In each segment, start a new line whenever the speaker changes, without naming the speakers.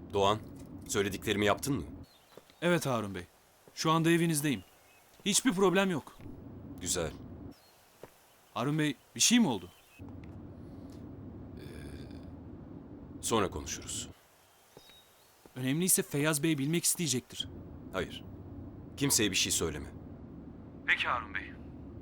Doğan, söylediklerimi yaptın mı?
Evet Harun Bey. Şu anda evinizdeyim. Hiçbir problem yok.
Güzel.
Harun Bey, bir şey mi oldu?
Sonra konuşuruz.
Önemliyse Feyyaz Bey bilmek isteyecektir.
Hayır. Kimseye bir şey söyleme.
Peki Harun Bey.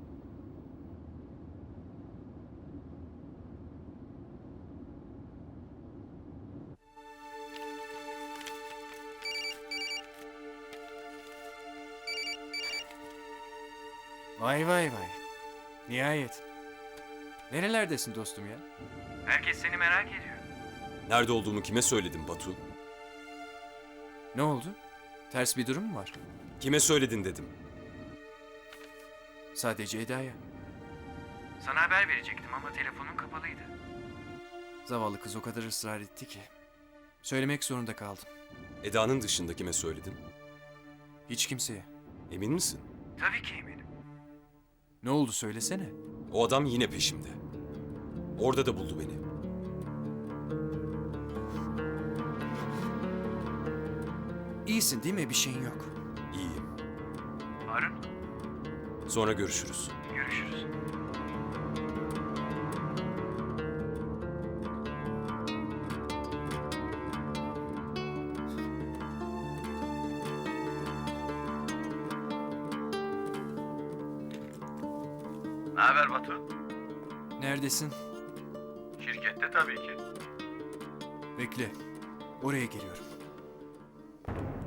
Vay vay vay. Nihayet. Nerelerdesin dostum ya? Herkes seni merak ediyor.
Nerede olduğumu kime söyledim Batu?
Ne oldu? Ters bir durum mu var?
Kime söyledin dedim.
Sadece Eda'ya.
Sana haber verecektim ama telefonun kapalıydı.
Zavallı kız o kadar ısrar etti ki. Söylemek zorunda kaldım.
Eda'nın dışında kime söyledin?
Hiç kimseye.
Emin misin?
Tabii ki eminim.
Ne oldu söylesene.
O adam yine peşimde. Orada da buldu beni.
İyisin değil mi? Bir şeyin yok.
İyiyim.
Harun,
Sonra görüşürüz.
görüşürüz. Ne haber Batu?
Neredesin?
Şirkette tabii ki.
Bekle. Oraya geliyorum.